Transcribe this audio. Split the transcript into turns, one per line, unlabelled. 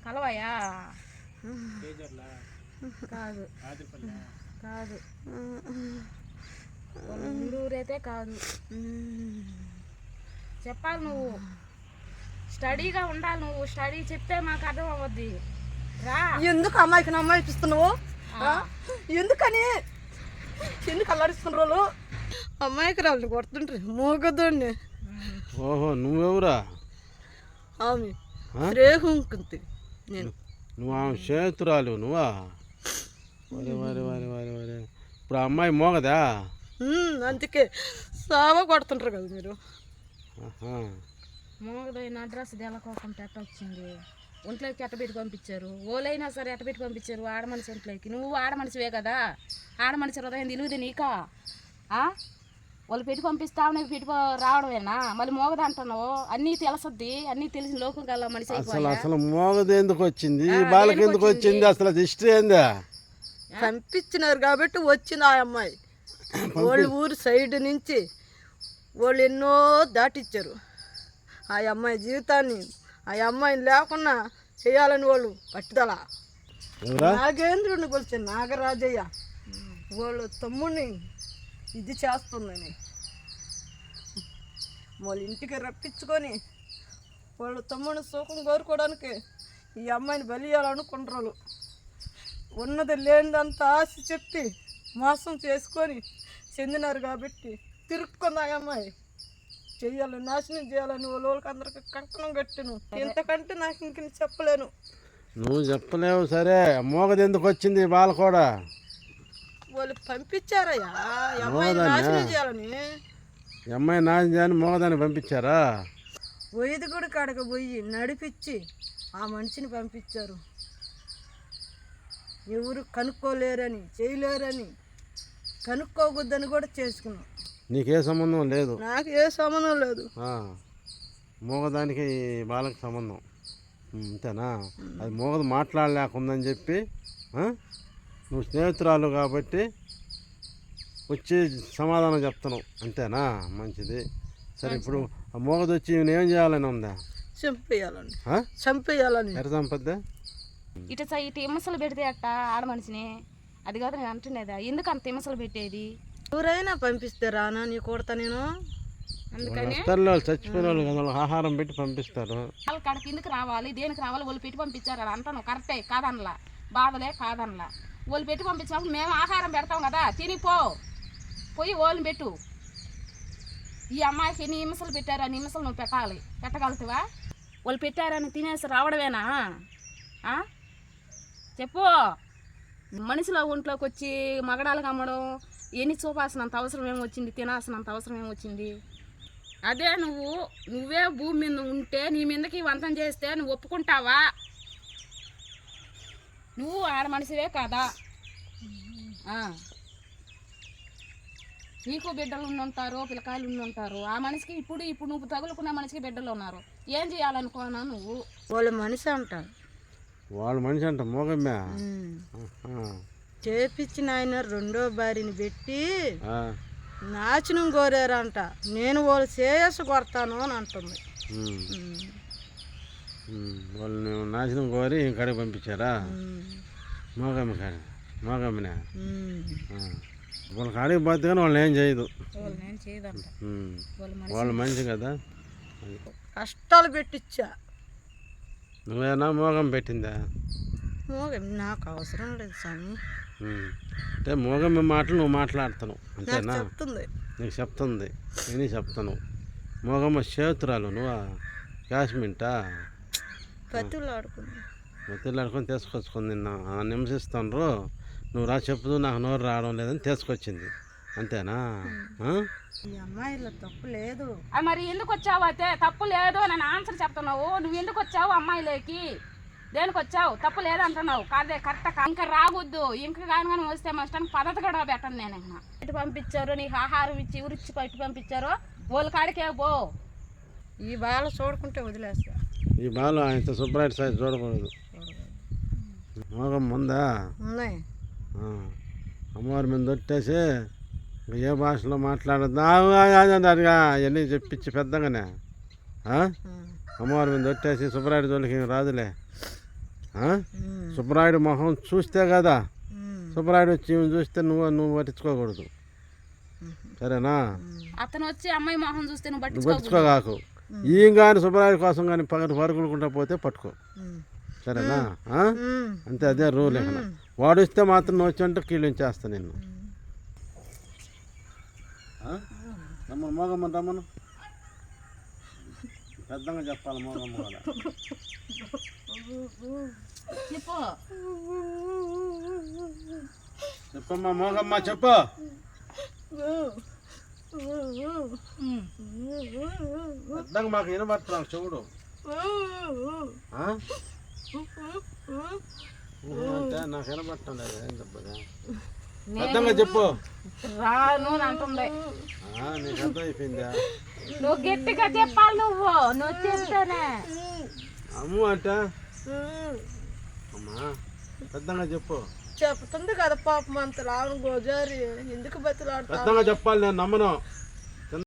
కలవయా కాదు కాదు ఊరైతే కాదు. చెప్పాలి నువ్వు, స్టడీగా ఉండాలి. నువ్వు స్టడీ చెప్తే మాకు అర్థం అవ్వద్ది. రా.
ఎందుకు అమ్మాయికి అమ్మాయిపిస్తున్నావు? ఎందుకని ఎందుకు అల్లాడిస్తున్నారు? అమ్మాయికి రాళ్ళు కొడుతుంటారు మోగదోడిని.
ఓహో, నువ్వెవరా?
ఆమె రేహుంకుంది. నేను
నువ్వు ఆమె చేతురాలు నువ్వా? వరే వరే వరే వరే వరే. ఇప్పుడు ఆ అమ్మాయి మోగదా?
అందుకే సావ కొడుతుంటారు కదా మీరు.
మోగదైన అడ్రస్ తెలకోకుండా ఎట్ట వచ్చింది? ఒంట్లోకి ఎట్టబెట్టి పంపించారు. ఓలైనా సరే ఎట్టబెట్టి పంపించారు ఆడ మనిషి ఒంట్లోకి. నువ్వు ఆడ మనిషివే కదా, ఆడ మనిషి హృదయం తెలియదు నీకా? వాళ్ళు పెట్టి పంపిస్తావు, నీకు పెట్టి రావడమేనా? మళ్ళీ మోగదు అంటున్నావు. అన్నీ తెలుసద్ది, అన్నీ తెలిసిన లోకం కల్లా మనిషి.
అసలు మోగదు ఎందుకు వచ్చింది? బాలకి ఎందుకు వచ్చింది? అసలు హిస్టరీ ఏందా?
పంపించినారు కాబట్టి వచ్చింది ఆ అమ్మాయి. వాళ్ళు ఊరు సైడ్ నుంచి వాళ్ళు ఎన్నో దాటిచ్చారు ఆ అమ్మాయి జీవితాన్ని. ఆ అమ్మాయిని లేకుండా చేయాలని వాళ్ళు పట్టుదల. నాగేంద్రుడిని కొలిచే నాగరాజయ్య వాళ్ళు తమ్ముడిని ఇది చేస్తుందని వాళ్ళ ఇంటికి రప్పించుకొని వాళ్ళ తమ్ముడిని సుఖం కోరుకోవడానికి ఈ అమ్మాయిని బలియాలనుకుంటారు. ఉన్నది లేనిదంతా ఆశ చెప్పి మోసం చేసుకొని చెందినారు కాబట్టి తిరుక్కుంది ఆ అమ్మాయి. చెయ్యాలని నాశనం చేయాలని వాళ్ళకి అందరికి కంకణం కట్టిను. ఇంతకంటే నాకు ఇంక చెప్పలేను.
నువ్వు చెప్పలేవు సరే, మోగది ఎందుకు వచ్చింది? బాల కూడా
వాళ్ళు పంపించారయ్యా ఈ అమ్మాయి నాశనం చేయాలని.
ఈ అమ్మాయి నాశనం చేయాలని మోగదాన్ని పంపించారా?
వైదిగుడి కాడకు పోయి నడిపించి ఆ మనిషిని పంపించారు. ఎవరు కనుక్కోలేరని చేయలేరని కనుక్కోకూడదని కూడా చేసుకున్నాం.
నీకే సంబంధం లేదు?
నాకు ఏ సంబంధం లేదు.
మోగదానికి బాలకి సంబంధం అంతేనా? అది మోగదు మాట్లాడలేకుందని చెప్పి నువ్వు స్నేహితురాలు కాబట్టి వచ్చి సమాధానం చెప్తున్నావు అంతేనా? మంచిది. సరే, ఇప్పుడు ఆ మోగదు వచ్చి ఏం చేయాలని ఉందా?
చంపేయాలని. చంపేయాలని.
ఎర చంపద్దా?
ఇటు విమర్శలు పెడితే అట్ట ఆడ మనిషిని. అది కాదు నేను అంటున్నదా, ఎందుకు అంత విమర్శలు పెట్టేది?
ఎవరైనా పంపిస్తే రానా నీ కొడతా నేను.
అందుకని
చచ్చిపోయిన వాళ్ళు కదా, ఆహారం పెట్టి పంపిస్తారు.
వాళ్ళ కాడికి ఎందుకు రావాలి, దేనికి రావాలి? వాళ్ళు పెట్టి పంపించారు అని అంటాను. కరెక్టే, కాదనలా, బాధలే కాదనలా. వాళ్ళు పెట్టి పంపించినప్పుడు మేము ఆహారం పెడతాం కదా, తినిపో పోయి వాళ్ళని పెట్టు. ఈ అమ్మాయికి ఎన్ని నిమిషాలు పెట్టారు, ఆ నిమిషాలు నువ్వు పెట్టాలి. పెట్టగలుగుతావా? వాళ్ళు పెట్టారని తినేసి రావడమేనా? చెప్పు. మనిషిలో ఒంట్లోకి వచ్చి మగడాలకు అమ్మడం ఎన్ని చూపాల్సినంత అవసరం ఏమొచ్చింది? తినాల్సినంత అవసరం ఏమొచ్చింది? అదే నువ్వే భూమి మీద ఉంటే నీ మీదకి వంతం చేస్తే నువ్వు ఒప్పుకుంటావా? నువ్వు ఆడ మనిషివే కదా, నీకు బిడ్డలు ఉండుంటారు, పిల్లకాయలు ఉండుంటారు. ఆ మనిషికి ఇప్పుడు నువ్వు తగులుకున్న మనిషికి బిడ్డలు ఉన్నారు. ఏం చేయాలనుకున్నా నువ్వు?
వాళ్ళు మనిషి అంటారు.
వాళ్ళు మనిషి అంట మోగమ్మే
చేపించిన ఆయన రెండో భార్యని పెట్టి నాశనం కోరారంట. నేను వాళ్ళు శ్రేయస్సు కొడతాను అని అంటుంది.
వాళ్ళు నాశనం కోరి ఇంకడికి పంపించారా? మోగమ్మనే వాళ్ళ కాడికి పోతే కానీ వాళ్ళు ఏం చేయదు. వాళ్ళు మంచి కదా.
కష్టాలు పెట్టించా.
నువ్వేనా మోగం పెట్టిందా?
మోగం నాకు అవసరం లేదు స్వామి.
అంటే మోగమ్మ మాటలు నువ్వు మాట్లాడుతున్నావు అంతేనా?
చెప్తుంది,
నీకు చెప్తుంది, నేను చెప్తాను. మోగమ్మ చేతురాలు నువ్వా? కాశ్మీంటా పత్తిలాడుకొని తీసుకొచ్చుకొని నిన్న నిమిషిస్తాను. నువ్వు రా చెప్పుదు, నాకు నోరు రావడం లేదని తీసుకొచ్చింది అంతేనా?
ఈ అమ్మాయిలో తప్పు లేదు.
మరి ఎందుకు వచ్చావు? అయితే తప్పు లేదు అని ఆన్సర్ చెప్తున్నావు. నువ్వు ఎందుకు వచ్చావు అమ్మాయిలోకి? దేనికి వచ్చావు? తప్పు లేదంటున్నావు. కాదే కరెక్ట్. ఇంకా రావద్దు. ఇంకా కానీ వస్తే మా ఇష్టానికి పద్ధతి కూడా పెట్టను. నేను ఇటు పంపించారు, నీకు ఆహారం ఇచ్చి ఊరిచ్చి పట్టి పంపించారు. వాళ్ళ కాడికే పో.
ఈ బాల చూడుకుంటే వదిలేస్తా.
ఈ బాల ఇంత శుభ్రైట్ సైజ్ చూడకూడదు. మోగం ఉందా?
ఉన్నాయి.
అమ్మవారి మీద దొట్టేసి ఏ భాషలో మాట్లాడద్దా అవన్నీ చెప్పించి పెద్దగానే అమ్మవారి మీద దొట్టేసి శుభ్రాయుడు జోలికి రాదులే. సుబ్బరాయుడు మొహం చూస్తే కదా, సుబ్బరాయుడు వచ్చి చూస్తే నువ్వు పట్టించుకోకూడదు, సరేనా?
అతను వచ్చి అమ్మాయి మొహం చూస్తే నువ్వు
పట్టించుకోగాకు. ఈయన కానీ సుబ్బరాయుడు కోసం కానీ పరుగులుకుంటా పోతే పట్టుకో, సరేనా? అంతే, అదే రూల్. ఇక్కడ వాడు ఇస్తే మాత్రం నువ్వు వచ్చి అంటే కీళ్ళించేస్తా నిన్ను. రమ్మను, మోగమ్మని రమ్మను, పెద్దగా చెప్పాలి మోగమ్మ కూడా.
చెప్పు
చెప్పమ్మా మోగమ్మ, చెప్పు. పెద్దగా మాకు వినబడుతున్నావు చెవుడు అంటే నాకు వినబడటం లేదు. ఏం చెప్పదా? పెద్దగా చెప్పు.
రాను అంటుంది.
నీకు అర్థం అయిపోయిందా?
నువ్వు గట్టిగా చెప్పాలి, నువ్వు చెప్తానే.
అమ్ము అంటే అమ్మా పెద్దగా చెప్పు.
చెప్తుంది కదా పాపం అంత రావడం గోజారి ఎందుకు బతులాడుతా.
పెద్దగా చెప్పాలి, నేను నమ్మను.